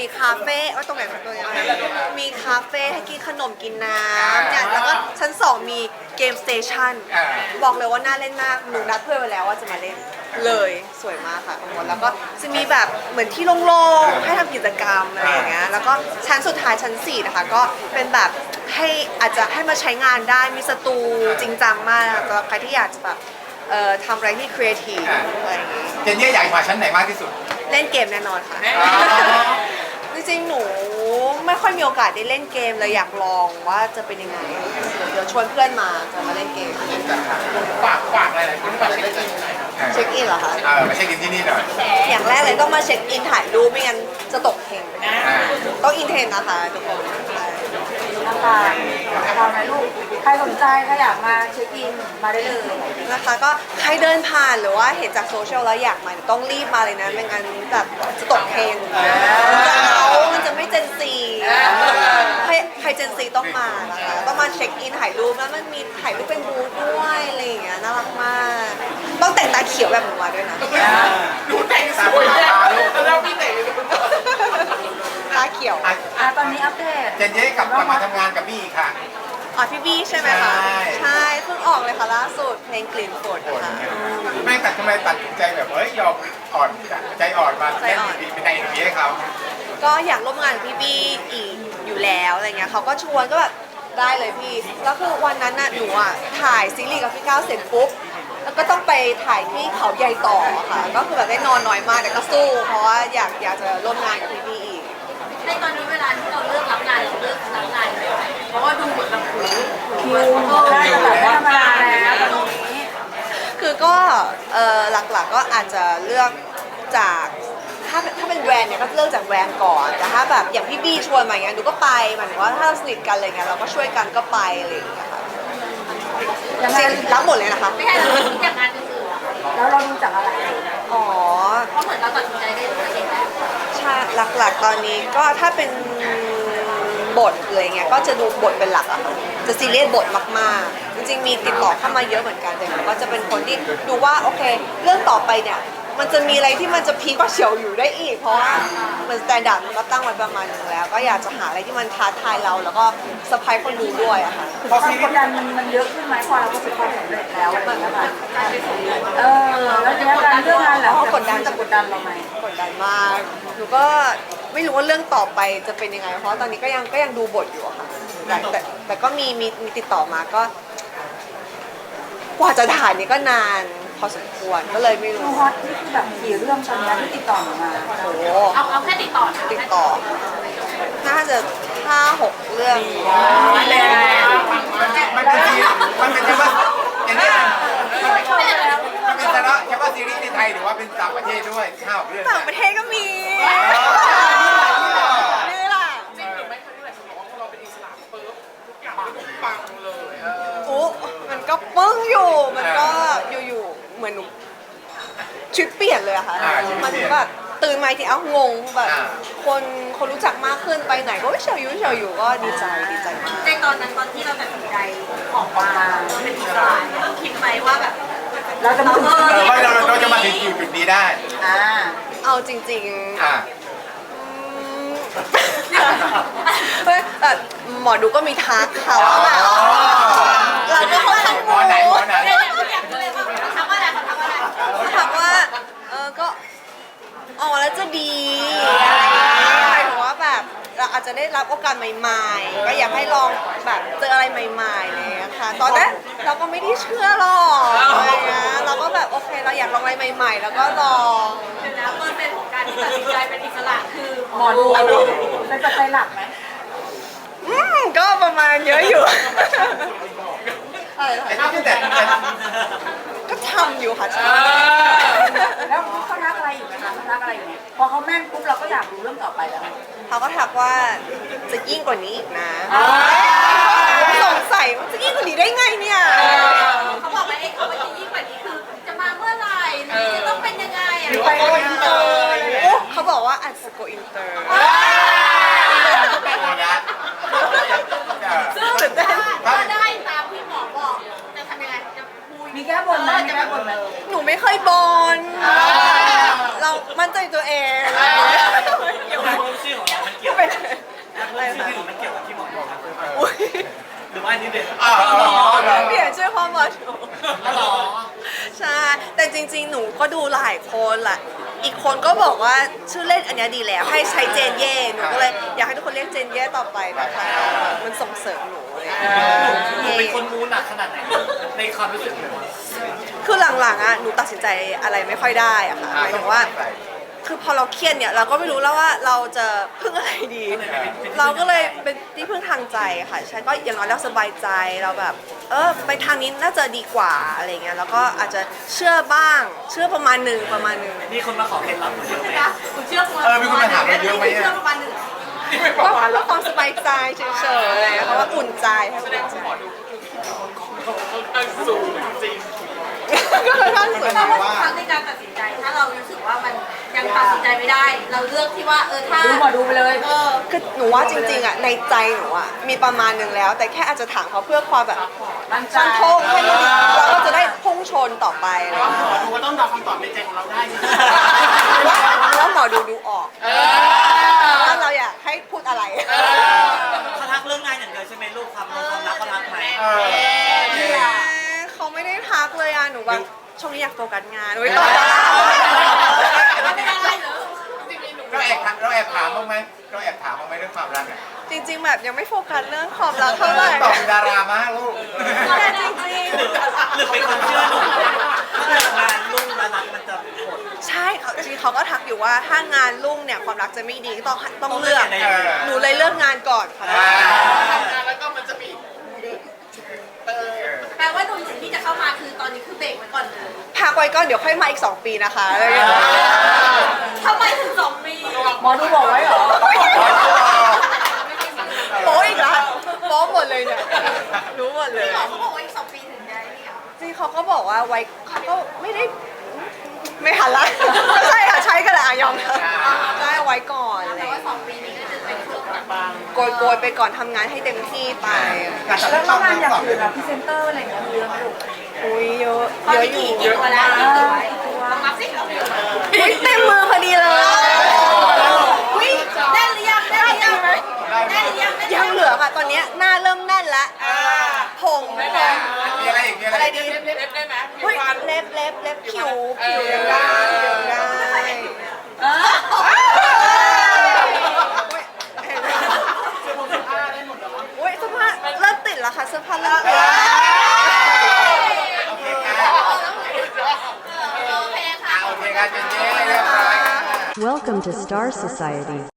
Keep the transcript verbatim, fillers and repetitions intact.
มีคาเฟ่ว่าตรงไหนตรงไหนมีคาเฟ่ให้กินขนมกินน้ำเนี่ยแล้วก็ชั้นสองมีเกมสเตชันบอกเลยว่าน่าเล่นมากหนูนัดเพื่อนไว้แล้วว่าจะมาเล่นเลยสวยมากค่ะแล้วก็จะมีแบบเหมือนที่โล่งๆให้ทำกิจกรรมอะไรอย่างเงี้ยแล้วก็ชั้นสุดท้ายชั้นสี่นะคะก็เป็นแบบให้อาจจะให้มาใช้งานได้มีสตูจริงจังมากสำหรับใครที่อยากจะแบบเอ่อทำอะไรที่ครีเอทีฟอะไรอย่างเงี้ยเจนนี่อยากมาชั้นไหนมากที่สุดเล่นเกมแน่นอนค่ะ จริงๆ หนูไม่ค่อยมีโอกาสได้เล่นเกมเลยอยากลองว่าจะเป็นยังไง เดี๋ยวชวนเพื่อนมาจะมาเล่นเกมฝากฝากอะไรหลายคนฝากเช็คอินหน่อยเช็คอินเหรอคะเออมาเช็คอินที่นี่หน่อยอย่างแรกเลยต้องมาเช็คอินถ่ายรูปไม่งั้นจะตกเทรนด์อ่าต้องอินเทรนด์นะคะทุกคนนะคะทำไหมลูก ใครสนใจถ้าอยากมาเช็คอินมาได้เลยนะคะก็ใครเดินผ่านหรือว่าเห็นจากโซเชียลแล้วอยากมาต้องรีบมาเลยนะไม่งั้นแบบจะตกเทรนด์มันจะเอามันจะไม่เจนซีใครใครเจนซีต้องมานะคะต้องมาเช็คอินถ่ายรูปแล้วมันมีถ่ายรูปเป็นบูธด้วยอะไรอย่างเงี้ยน่ารักมาก ต้องแต่งตาเขียวแบบหนูมาด้วยนะดูแต่งสวยตาลูกแล้วพี่แต่งตาเขียวอ่ะอ่ะตอนนี้อัปเดตเจนนี่กลับมาทำงานกับพี่อีกค่ะอ๋อพี่บี้ใช่ไหมคะใช่ใช่เพิ่งออกเลยค่ะล่าสุดเพลงกลิ่นฝนนะคะแม่แต่ทำไมตัดสินใจแบบเฮ้ยยอมอ่อนใจอ่อนมาเล่นเป็นในเอ็มวีให้เขาก็อยากร่วมงานกับพี่บี้อีกอยู่แล้วอะไรเงี้ยเขาก็ชวนก็แบบได้เลยพี่แล้วคือวันนั้นน่ะหนูอ่ะถ่ายซีรีส์กับพี่ก้าวเสร็จปุ๊บแล้วก็ต้องไปถ่ายที่เขาใหญ่ต่อค่ะก็คือแบบได้นอนน้อยมากแต่ก็สู้เพราะว่าอยากอยากจะร่วมงานกับพี่บี้อีกในตอนนี้เวลาที่เราเลือกรับงานเราเลือกรับงานไหมเพราะว่าดูเหมือนแบบหูคิวได้แบบว่าธรรมดาแล้วตอนนี้คือก็เอ่อหลักๆก็อาจจะเลือกจากถ้าถ้าเป็นแบรนด์เนี่ยก็เลือกจากแบรนด์ก่อนแต่ถ้าแบบอย่างพี่บี้ชวนมาอย่างเงี้ยหนูก็ไปหมายถึงว่าถ้าเราสนิทกันอะไรเงี้ยเราก็ช่วยกันก็ไปอะไรอย่างเงี้ยค่ะยังไงจริงรับหมดเลยนะคะไม่ใช่เราคิดจากงานอื่นๆอะแล้วเราดูจากอะไรอ๋อเพราะเหมือนเราตัดสินใจได้ด้วยตัวเองแล้วใช่หลักๆตอนนี้ก็ถ้าเป็นบทอะไรเงี้ยก็จะดูบทเป็นหลักอะค่ะจะซีเรียสบทมากๆ จริงๆมีติดต่อเข้ามาเยอะเหมือนกันแต่หนูก็จะเป็นคนที่ดูว่าโอเค เรื่องต่อไปเนี่ยมันจะมีอะไรที่มันจะพีคกว่าเฉียวอยู่ได้อีก เพราะว่ามันสแตนดาร์ดมันก็ตั้งไว้ประมาณนึงแล้ว ก็อยากจะหาอะไรที่มันท้าทายเราแล้วก็เซอร์ไพรส์คนดูด้วยอะค่ะความกดดันมันมันเยอะขึ้นไหมพอเราประสบความสำเร็จแล้วอะไรอย่างเงี้ยค่ะเออแล้วเนี้ยการเรื่องงานหลังจากนี้จะกดดันเราไหมกดดันมากหนูก็ไม่รู้ว่าเรื่องต่อไปจะเป็นยังไง เพราะตอนนี้ก็ยังก็ยังดูบทอยู่อะค่ะแต่แต่แต่ก็มีมีมีติดต่อมาก็ กว่าจะถ่ายนี่ก็นานพอสมควรก็เลยไม่ดูรู้ฮอตนี่คือแบบกี่เรื่องตอนนี้ที่ติดต่อมาโอ้โหเอาเอาแค่ติดต่อนะติดต่อ น่าจะห้าหกเรื่องมันเป็นซีมันเป็นเฉพาะเจนนี่มันเป็นเฉพาะเฉพาะซีรีส์ในไทยหรือว่าเป็นต่างประเทศด้วยข้าวเรื่องต่างประเทศก็มีนี่แหละอุ๊มันก็ปึ้งอยู่ มันก็อยู่ๆ เหมือนหนูชีวิตเปลี่ยนเลยอะค่ะ มันแบบตื่นมาทีเอ้างงแบบคนคนรู้จักมากขึ้นไปไหนก็เฉยอยู่เฉยอยู่ก็ดีใจดีใจมากในตอนนั้นตอนที่เราตัดสินใจออกมาเราเป็นอิสระเนี่ยคิดไหมว่าแบบเราจะมาถึงเออว่าเราเราจะมาถึงจุดนี้ได้อ่าเอาจริงๆอ่าเฮ้ยแบบหมอดูก็มีทักค่ะว่าแบบเราก็ค่อนข้างหมอไหนหมอไหนเนี่ยเนี่ยอยากรู้เลยว่าเขาทำว่าอะไรเขาทำว่าอะไรเขาถามว่าเออก็ออกแล้วจะดีหมายถึงว่าแบบเราอาจจะได้รับโอกาสใหม่ๆ ก็อยากให้ลองแบบเจออะไรใหม่ๆเลยอะค่ะตอนแรกเราก็ไม่ได้เชื่อหรอกอะไรเงี้ยเราก็แบบโอเคเราอยากลองอะไรใหม่ ๆ แล้วก็ลองเดี๋ยวนะเปอร์เซ็นต์ของการที่ตัดสินใจเป็นอิสระคือหมอดูเป็นปัจจัยหลักไหมอืมก็ประมาณเยอะอยู่อะไรนะไอ้ที่แต่แต่ก็ทำอยู่ค่ะใช่แล้วเขาทักอะไรอยู่ไหมคะเขาทักอะไรอยู่ไหมพอเขาแม่นปุ๊บเราก็อยากรู้เรื่องต่อไปแล้วเขาก็ทักว่าจะยิ่งกว่านี้อีกนะสงสัยว่าจะยิ่งกว่านี้ได้ไงเนี่ยเขาบอกว่าไอ้เขาว่าจะยิ่งกว่านี้คือจะมาเมื่อไหร่หรือจะต้องเป็นยังไงอ่ะไปโกอินเตอร์โอ้เขาบอกว่าอาจจะโกอินเตอร์โอ้นะซึ่งถ้าได้ตามที่หมอบอกจะทำยังไงจะคุยมีแก้บนไหมมีแก้บนไหมหนูไม่เคยบนเรามั่นใจตัวเองยังหรือว่าอันนี้เด็ดอ๋ออ๋ออ๋อเปลี่ยนชื่อพ่อหมอดูหรอใช่ แต่จริงๆ หนูก็ดูหลายคนแหละ อีกคนก็บอกว่าชื่อเล่นอันเนี้ยดีแล้ว ให้ใช้เจนเย่ หนูก็เลยอยากให้ทุกคนเรียกเจนเย่ต่อไปนะคะ มันส่งเสริมหนูเลยหนูเป็นคนมูหนักขนาดไหนในความรู้สึกเลยว่าคือหลังๆอ่ะ หนูตัดสินใจอะไรไม่ค่อยได้อะค่ะหมายถึงว่า คือพอเราเครียดเนี่ยเราก็ไม่รู้แล้วว่าเราจะพึ่งอะไรดี เราก็เลยเป็นที่พึ่งทางใจค่ะใช่ก็อย่างน้อยเราสบายใจเราแบบ เออไปทางนี้น่าจะดีกว่าอะไรเงี้ยแล้วก็อาจจะเชื่อบ้างเชื่อประมาณหนึ่งประมาณหนึ่งมีคนมาขอเคล็ดลับหนูเยอะไหมนะคุณเชื่อประมาณเออมีคนมาถามเราเยอะไหมเชื่ออะประมาณหนึ่งก็เพื่อความสบายใจเฉยๆเพราะว่าอุ่นใจให้อุ่นใจก็เลยท่านสวยแต่ว่าทุกครั้งในการตัดสินใจ ถ้าเรารู้สึกว่ามันยังตัดสินใจไม่ได้ เราเลือกที่ว่าเออถ้าดูหมอดูไปเลยเออคือหนูว่าจริงๆอ่ะในใจหนูอ่ะมีประมาณหนึ่งแล้ว แต่แค่อาจจะถามเขาเพื่อความแบบมั่นใจฟันธงให้มันเราก็จะได้พุ่งชนต่อไปอะไรอย่างเงี้ยหนูก็ต้องตอบคำตอบในใจของเราได้ใช่ไหมว่าว่าหมอดูดูออกว่าเราอยากให้พูดอะไรเขาทักเรื่องงานอย่างเดียวใช่ไหมลูกความรักความรักเขาทักไหมเออเขาไม่ได้ทักเลยอ่ะหนูแบบช่วงนี้อยากโฟกัสงานไว้ต่อดาราไม่เป็นไรเหรอเราแอบถามเราแอบถามบ้างไหมเราแอบถามบ้างไหมเรื่องความรักอะจริง ๆ แบบยังไม่โฟกัสเรื่องความรักเท่าไหร่ตอบเป็นดารามากลูกแต่จริงหรือหรือเป็นความเชื่อหนูเรื่องงานลุ่งและรักมันจะหดๆใช่เขาจริงเขาก็ทักอยู่ว่าถ้างานรุ่งเนี่ยความรักจะไม่ดีก็ต้องต้องเลือกต้องเลือกยังไงหนูเลยเลือกงานก่อนค่ะแปลว่าหนุ่มที่จะเข้ามาคือตอนนี้คือเบรกไว้ก่อนเลยพักไว้ก่อนเดี๋ยวค่อยมาอีกสองปีนะคะอะไรอย่างเงี้ยทำไมถึงสองปีหมอดูบอกไว้เหรอโป๊อีกแล้วโป๊หมดเลยเนี่ยรู้หมดเลยพี่หมอเขาบอกว่าอีกสองปีถึงได้นี่เหรอจริงเขาก็บอกว่าไว้เขาก็ไม่ได้ไม่หันละไม่ใช่ค่ะใช้กันแหละอ่ะยอมรับได้ไว้ก่อนอะไรแต่ว่าสองปีนี้ก็จะเป็นช่วงแบบโกยโกยๆไปก่อนทำงานให้เต็มที่ไปการตัดแล้วสินงานอย่างตอบอื่นอะพรีเซนเตอร์อะไรอย่างเงี้ยมีเยอะไหมลูกอุ้ยเยอะตอนเยอะนี้อยู่กี่กี่ตัวแล้วกี่ตัวลองนับสิอุ๊ยเต็มมือพอดีเลยอุ้ยแน่นหรือยังแน่นหรือยังแน่นหรือยังยังเหลือค่ะตอนเนี้ยหน้าเริ่มแน่นละผงผงมีอะไรอีกมีอะไรอะไรอีกดีเล็บได้ไหมเฮ้ยเล็บเล็บเล็บผิวผิวยังได้ผิวยังได้อุ้ยเสื้อผ้าเริ่มติดแล้วค่ะเสื้อผ้าเริ่มติดโอเคค่ะโอเคค่ะโอเคค่ะเจนเจเรียบร้อยค่ะ Welcome to Star Society.